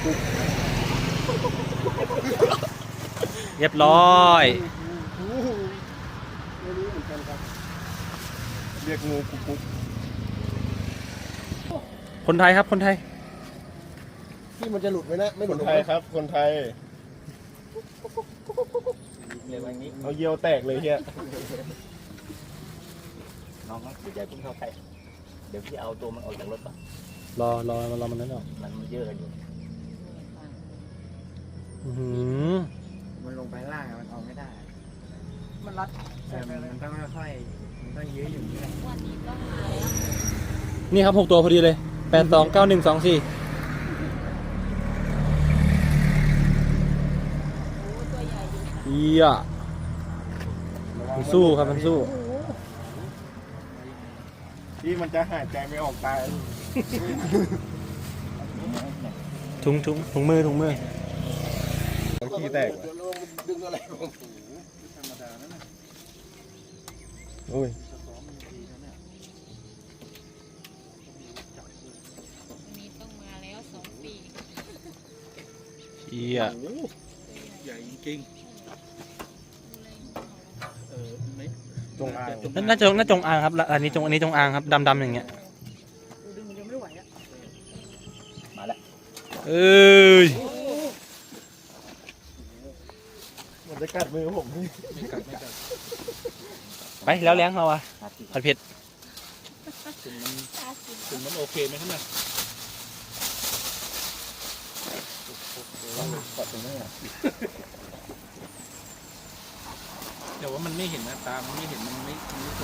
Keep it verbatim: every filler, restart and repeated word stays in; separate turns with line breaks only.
กุ๊ก
เรียบร้อย
ไม่รู้เหมือนกันครับเรียกงูกุ๊กกุ๊ก
คนไทยครับคนไทย
ที่มันจะหลุดไหมนะไม่ห
ค
ลุด
นไทยครับคนไทย
เร็วอย่างนี้
เอาเยี่ยวแตกเลยเฮีย
น้องเดี๋ยวใจพุ่งเข้าใกล้เดี๋ยวพี่เอาตัวมันออกจากรถก่อน
รอรอรอมันนั้นออก
มันมันเยอะกันอยู่
อื้อหือ
มันลงไปล่างอะมันออกไม่ได้ มันรัดแต่มันต้องค่อยๆมันต้องยื้ออยู่นี่แหละ
วันนี้ก็มาแล้ว
นี่ครับหกตัวพอดีเลยแปดสองเก้าหนึ่งสองสี่
โอ้ตัวใหญ่อยู่ค่ะ
เยี่ยมันสู้ครับมันสู้
ที่มันจะหายใจไม่ออกตาย
ถุงถุงถุงมือถุงมือ
ขี้แตก
เดี๋ยวเราดึงอะไรของผม
โอ้ย
วันนี้ต้องมาแล้วสองปี
เยี่ย
ใหญ่จริงเออไม่
จงอาง
น่าน่าจะน่าจงอางครับแล้วอันนี้จงอันนี้จงอางครับดำดำอย่างเงี้ย
ดึงมันยังไม่ไหวอ่ะ
มาแล้ว
เอ้ย
มันจะกัดมือผมนี่
ไปแล้วเลี้ยงเราอะ
นาที
ผัดเผ็ด
ถึงมัน
ตาสิบ
ถึงมันโอเคไหมครับเนี่ย
กัดตรงนี้อ่ะ
แต่ว่ามันไม่เห็นนะตามันไม่เห็นมันไม่มันไม่